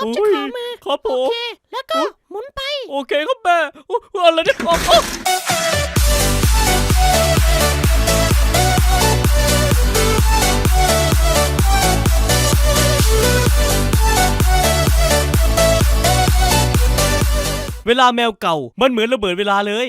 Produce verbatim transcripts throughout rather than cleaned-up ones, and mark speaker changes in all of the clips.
Speaker 1: อบจะขอมือ
Speaker 2: ครับผ
Speaker 1: โอ
Speaker 2: ม
Speaker 1: เคแล้วก็หมุนไป
Speaker 2: โอเคครับแม่อะไรเนี่ยโอ้โอ้เวลาแมวเก่ามันเหมือนระเบิดเวลาเลย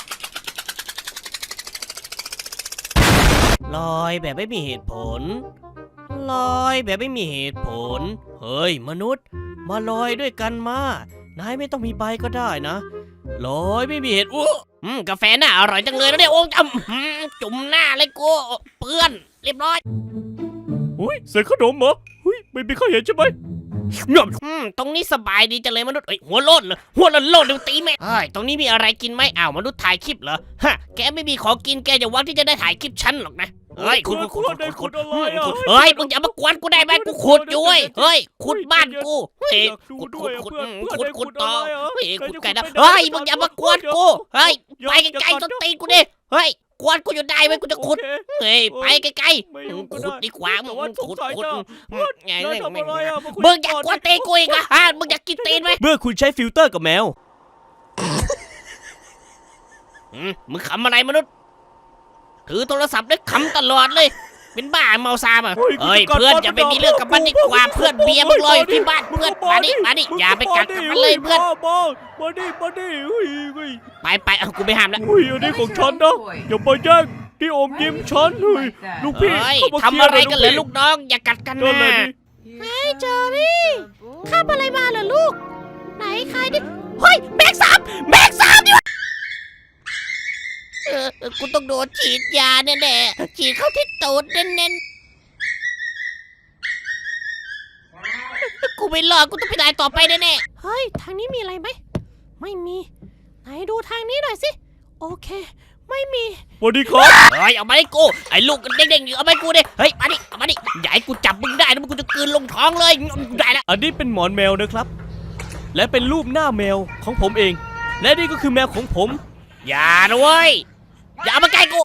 Speaker 2: ลอยแบบไม่มีเหตุผลลอยแบบไม่มีเหตุผลเฮ้ยมนุษย์มาลอยด้วยกันมานายไม่ต้องมีใบก็ได้นะลอยไม่มีเหตุอู้อืมกาแฟน่าอร่อยจังเลยนะเนี่ยโอ้จำจุ่มหน้าเลยกูเปื้อนเรียบร้อยอุ้ยใส่ขนมเหรออุ้ยไม่มีใครเห็นใช่ไหมอืมตรงนี้สบายดีจังเลยมนุษย์เอ้ยหัวโลดเลยหัวโลดโลดเดี๋ยวตีแม่เฮ้ยตรงนี้มีอะไรกินไหมอ้าวมนุษย์ถ่ายคลิปเหรอฮะแกไม่มีของกินแกจะหวังที่จะได้ถ่ายคลิปฉันหรอกนะเฮ้ยคุณคุณคุณคุณคุณเฮ้ยมึงอย่ามากวนกูได้ไหมกูขุดอยู่เว้ยเฮ้ยขุดบ้านกูเฮ้ยขุดขุดขุดขุดขุดต่อเฮ้ยขุดไก่นะเฮ้ยมึงอย่ามากวนกูเฮ้ยไปไกลๆต้นตีนกูดิเฮ้ยกวนกูอยู่ได้ไหมกูจะขุดเฮ้ยไปไกลๆขุดดีกว่ามึงขุดขุดไงเลยมึงอยากกวนตีนกูอีกเหรอฮะมึงอยากกินตีนไหมเมื่อคุณใช้ฟิลเตอร์กับแมวมึงขำอะไรมนุษย์ถือโทรศัพท์ได้ขำตลอดเลยเป็นบ้าเมาซาอ่ะเฮ้ยเพื่อนอย่าไปมีเรื่องกับมันดีกว่าเพื่อนเบียร์มึงรออยู่ที่บ้านเพื่อนมาดิมาดิอย่าไปกัดกับมันเลยเพื่อนมาดิมาดิไปไปเอากูไม่ห้ามแล้วอุ้ยอันนี้ของฉันนะอย่าไปแย่งที่อมยิ้มฉันเฮ้ยลูกพี่
Speaker 1: ทำอะไรกันเหรอลูกน้องอย่ากัดกันนะเฮ้ยเจอรี่ข้ามอะไรมาเหรอลูกไหนใครดิเฮ้ยแบกสามแบกสามดิเออกูต้องโดนฉีดยาแน่ๆฉีดเข้าที่ตูดแน่ๆกูไม่รอดกูต้องไปได้ต่อไปแน่ๆเฮ้ยทางนี้มีอะไรไหมไม่มีไหนดูทางนี้หน่อยสิโอเคไม่มี
Speaker 2: สวัสดีครับ
Speaker 1: เฮ้ยเอามาให้กูไอ้ลูกเด้งๆอยู่เอามาให้กูดิเฮ้ยมาดิเอามาดิอย่าให้กูจับมึงได้นะมึงกูจะกลืนลงท้องเลยได้แล้ว
Speaker 2: อันนี้เป็นหมอนแมวนะครับและเป็นรูปหน้าแมวของผมเองและนี่ก็คือแมวของผม
Speaker 1: อย่าด้วยอย่ามาใกล้กู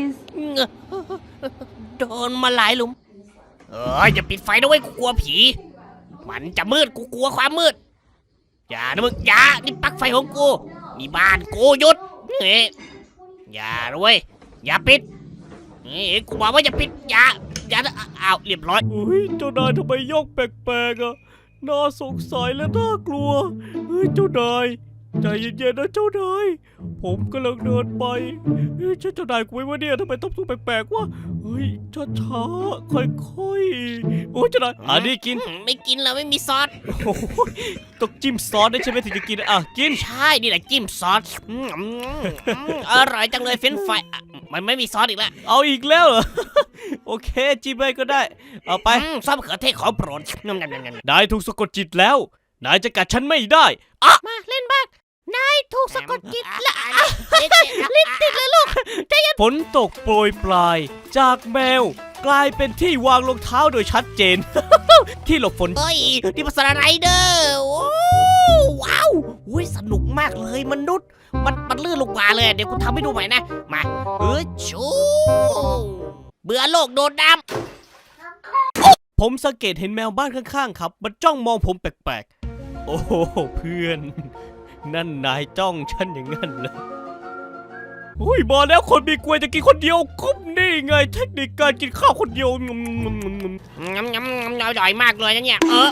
Speaker 1: โดนมาหลายหลุมเอ้ยอย่าปิดไฟด้วยกูกลัวผีมันจะมืดกูกลัวความมืดอย่านะมึงอย่านี่ปลั๊กไฟของกูนี่บ้านกูหยุดเฮ้ยอย่าด้วยอย่าปิดเฮ้ยกูบอกว่าอย่าปิดอย่าอย่าอ้าวเรียบร้อย
Speaker 2: เฮ้ยเจ้านายทำไมยกแปลกๆอ่ะน่าสงสัยและน่ากลัวเฮ้ยเจ้านายใจเย็นๆนะเจ้านายผมกำลังเดินไปเฮ้ยเจ้านายกูไม่ว่าเนี่ยทำไมต้องตัวแปลกๆวะเฮ้ยช้าๆค่อยๆโอ้ยเจ้านายอันนี้กิน
Speaker 1: ไม่กินแล้วไม่มีซอส
Speaker 2: ต้องจิ้มซอสได้ใช่ไหมถึงจะกินอ่ะกิน
Speaker 1: ใช่นี่แหละจิ้มซอสอร่อยจังเลยเฟรนช์ฟรายมันไม่มีซอสอีกแล้ว
Speaker 2: เอาอีกแล้วเหรอโอเคจิ้มไปก็ได้เอาไป
Speaker 1: ซอสมะเขือเทศของโปรด
Speaker 2: นายถูกสะกดจิตแล้วนายจะกัดฉันไม่ได้
Speaker 1: อ่ะมาเล่นบ้างนายถูกสะกดจิตแล้วลิ้นติดเลยลูก
Speaker 2: ฝนตกโปรยปลายจากแมวกลายเป็นที่วางรองเท้าโดยชัดเจน ที่หลบฝน
Speaker 1: เฮ้ยนี่ภาษาไรเดอร์ว้าวอุ้ยสนุกมากเลยมนุษย์มันมันลื่นลงมาเลยเดี๋ยวกูทำให้ดูใหม่นะมาเออชูเบื่อโลกโดนน้
Speaker 2: ำผมสังเกตเห็นแมวบ้านข้างๆครับมันจ้องมองผมแปลกๆโอ้โหเพื่อนนั่นนายจ้องฉันอย่างนั้นเลยอุ้ยมาแล้วคนมีกล้วยจะกินคนเดียวคุ้มนี่ไงเทคนิคการกินข้าวคนเดียวงำงำงำ
Speaker 1: งำงำงำอร่อยมากเลยนะเนี่ยเออ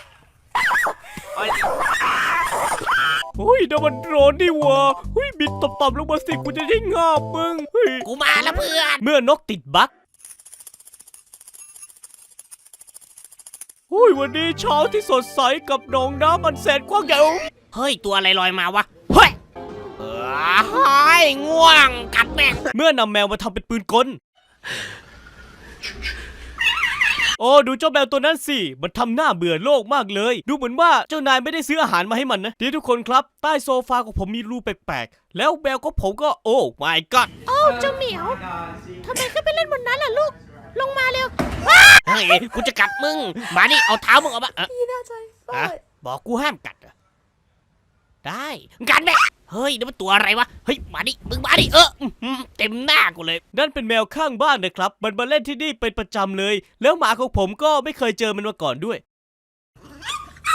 Speaker 2: เฮ้ยเดี๋ยวมันโดนดิวะเฮ้ยบินต่ำๆลงมาสิกูจะได้งาบมึงเฮ้ย
Speaker 1: กูมาแล้วเพื่อน
Speaker 2: เมื่อนกติดบั๊กเฮ้ยวันนี้เช้าที่สดใสกับหนองน้ำอันแสนกว้างใหญ่
Speaker 1: เฮ้ยตัวอะไรลอยมาวะเฮ้ยเฮ้ยง่วงกัดแม่
Speaker 2: เมื่อนำแมวมาทำเป็นปืนกลโอ้ดูเจ้าแมวตัวนั้นสิมันทำหน้าเบื่อโลกมากเลยดูเหมือนว่าเจ้านายไม่ได้ซื้ออาหารมาให้มันนะดีทุกคนครับใต้โซฟาของผมมีรูแปลกๆแล้วแมวของผมก็โอ้ my god
Speaker 1: โอ้เจ้าเหมียวทำไมขึ้นไปเล่นบนนั้นล่ะลูกลงมาเร็วเฮ้ยกูจะกัดมึงมาดิเอาเท้ามึงออกมา
Speaker 3: พี่น่าใจ
Speaker 1: บอกกูห้ามกัดได้กัดแม่เฮ้ยนี่มันตัวอะไรวะเฮ้ยมาดิมึงมาดิเออเต็มหน้ากูเลย
Speaker 2: นั่นเป็นแมวข้างบ้านนะครับมันมาเล่นที่นี่เป็นประจำเลยแล้วหมาของผมก็ไม่เคยเจอมันมาก่อนด้วย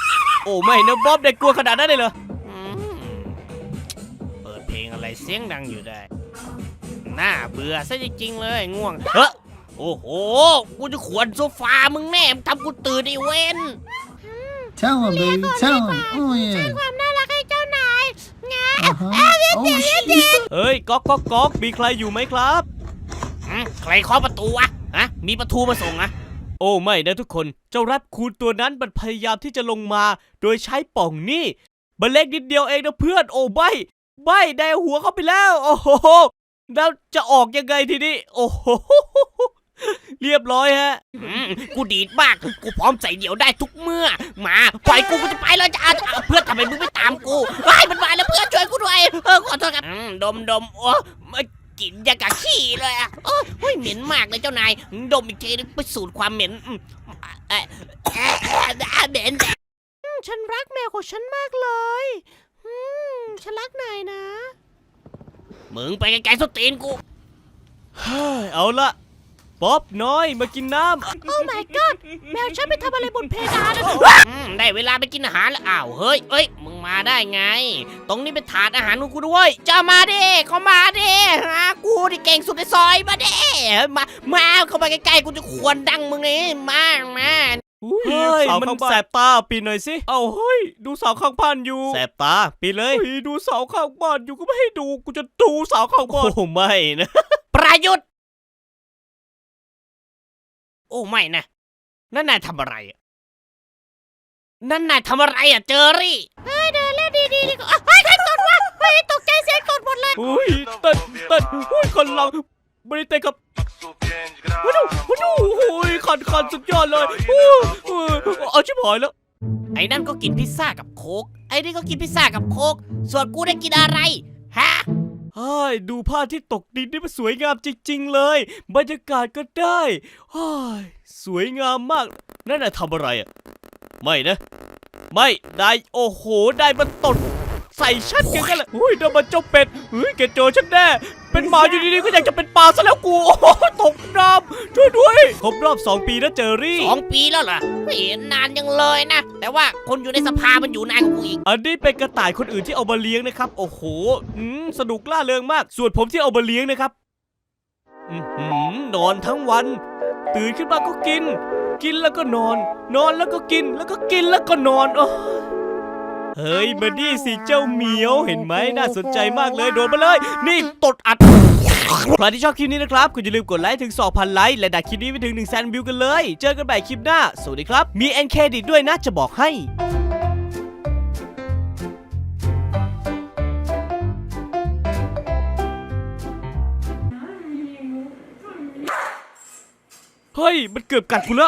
Speaker 2: โอ้ไม่นะบ๊อบเด็กกลัวขนาดนั้นเลยเหรอ
Speaker 1: อืมเปิดเพลงอะไรเสียงดังอยู่ได้น่าเบื่อซะจริงๆเลยง่วงเฮ้อโอ้โหกูจะขวนโซฟามึงแน่มึงทำกูตื่นไอ้เว้น
Speaker 3: Tell him, baby. Tell him. Oh, yeah.
Speaker 1: ความน่ารักให้เจ้านายงา
Speaker 3: Uh-huh. Oh, shit.
Speaker 2: เฮ้ยก๊อกก๊อกก๊อกมีใครอยู่ไหมครับ
Speaker 1: อืมใครเคาะประตูวะฮะมีประตูมาส่งอะ
Speaker 2: โอ้ไม่นะทุกคนเจ้าแรปคูนตัวนั้นมันพยายามที่จะลงมาโดยใช้ป่องนี่มันเล็กนิดเดียวเองนะเพื่อนโอ้ใบใบได้หัวเข้าไปแล้วโอ้โหแล้วจะออกยังไงทีนี้โอ้โหเรียบร้อยฮะ
Speaker 1: อืมกูดีดมากกูพร้อมใส่เดี่ยวได้ทุกเมื่อมาปล่อยกูกูจะไปแล้วจะเอาเอาเพื่อนทำไมมึงไม่ตามกูไอ้ยมันมาแล้วเพื่อนช่วยกูด้วยเออขอโทษครับอืมดมดมโอ้ไม่กลิ่นยังกับขี้เลยอะโอ้ยเฮ้ยเหม็นมากเลยเจ้านายดมอีกทีนึงไปสูดความเหม็นอืมเอ่อเอ่อเอ่อเหม็นฉันรักแมวของฉันมากเลยอืมฉันรักนายนะมึงไปไกลๆสตีนกู
Speaker 2: เฮ้ยเอาละป๊อบน้อยมากินน้ำ
Speaker 1: โอ้ my god แมวฉันไปทำอะไรบนเพดานได้เวลาไปกินอาหารแล้วอ้าวเฮ้ยเอ้ยมึงมาได้ไง ตรงนี้เป็นถาดอาหารของกูด้วยจะมาดิเขามาดิฮะกูที่เก่งสุดในซอยมาดิมามาเข้ามาใกล้ๆกูจะขวนดังมึงนี่มามา
Speaker 2: เฮ้ยมันแสบตาปีนหน่อยสิเอาเฮ้ยดูเสาข้างบ้านอยู่แสบตาปีนเลยดูเสาข้างบ้านอยู่ก็ไม่ให้ดูกูจะดูเสาข้างบ้านโอ้ไม่นะ
Speaker 1: ประยุทธ์โอ้ไม่นะนั่นนายทำอะไรอะนั่นนายทำอะไรอ่ะเจอรี่เฮ้ยเดินเล่นดีๆดีกว่าเฮ้ยใครตดวะเฮ้ยตกใจเสียงตดหมดเลย
Speaker 2: อุ้ยเต้นเต้นอุ้ยคนเราไม่ได้เต้นกับมาดูมาดูอุ้ยคันคันสุดยอดเลยอู้หูเอาชิบหายแล้ว
Speaker 1: ไอ้นั่นก็กินพิซซ่ากับโค้กไอ้นี่ก็กินพิซซ่ากับโค้กส่วนกูได้กินอะไรฮะ
Speaker 2: เฮ้ยดูผ้าที่ตกดินนี่มันสวยงามจริงๆเลยบรรยากาศก็ได้เฮ้ยสวยงามมากนั่นน่ะทำอะไรอ่ะไม่นะไม่ได้โอ้โหได้มันตดใส่ฉันกันกันเลยอุ้ยนั่นมันเจ้าเป็ดเฮ้ยแกเจอฉันแน่เป็นหมาอยู่ดีๆก็อยากจะเป็นปลาซะแล้วกูโอ้โหตกน้ำช่วยด้วยครบรอบสองปีนะเจอรี่
Speaker 1: สองปีแล้วเหรอไม่เห็นนานยังเลยนะ แต่ว่าคนอยู่ในสภามันอยู่นานกว่ากูอีก
Speaker 2: อันนี้เป็นกระต่ายคนอื่นที่เอามาเลี้ยงนะครับ โอ้โหอืมสนุกล่าเริงมาก ส่วนผมที่เอามาเลี้ยงนะครับอือหือนอนทั้งวัน ตื่นขึ้นมาก็กิน กินแล้วก็นอน นอนแล้วก็กิน แล้วก็กินแล้วก็นอนโอ้เฮ้ยมาดิสิเจ้าเหมียวเห็นไหมน่าสนใจมากเลยโดนมาเลย นี่ตดอัดใครที่ชอบคลิปนี้นะครับคุณอย่าลืมกดไลค์ถึง สองพัน ไลค์และดักคลิปนี้ไปถึง หนึ่งแสน วิวกันเลย เจอกันใหม่คลิปหน้าสวัสดีครับมีเอ็นเครดิตด้วยนะจะบอกให้เฮ้ยมันเกือบกัดกูแล้ว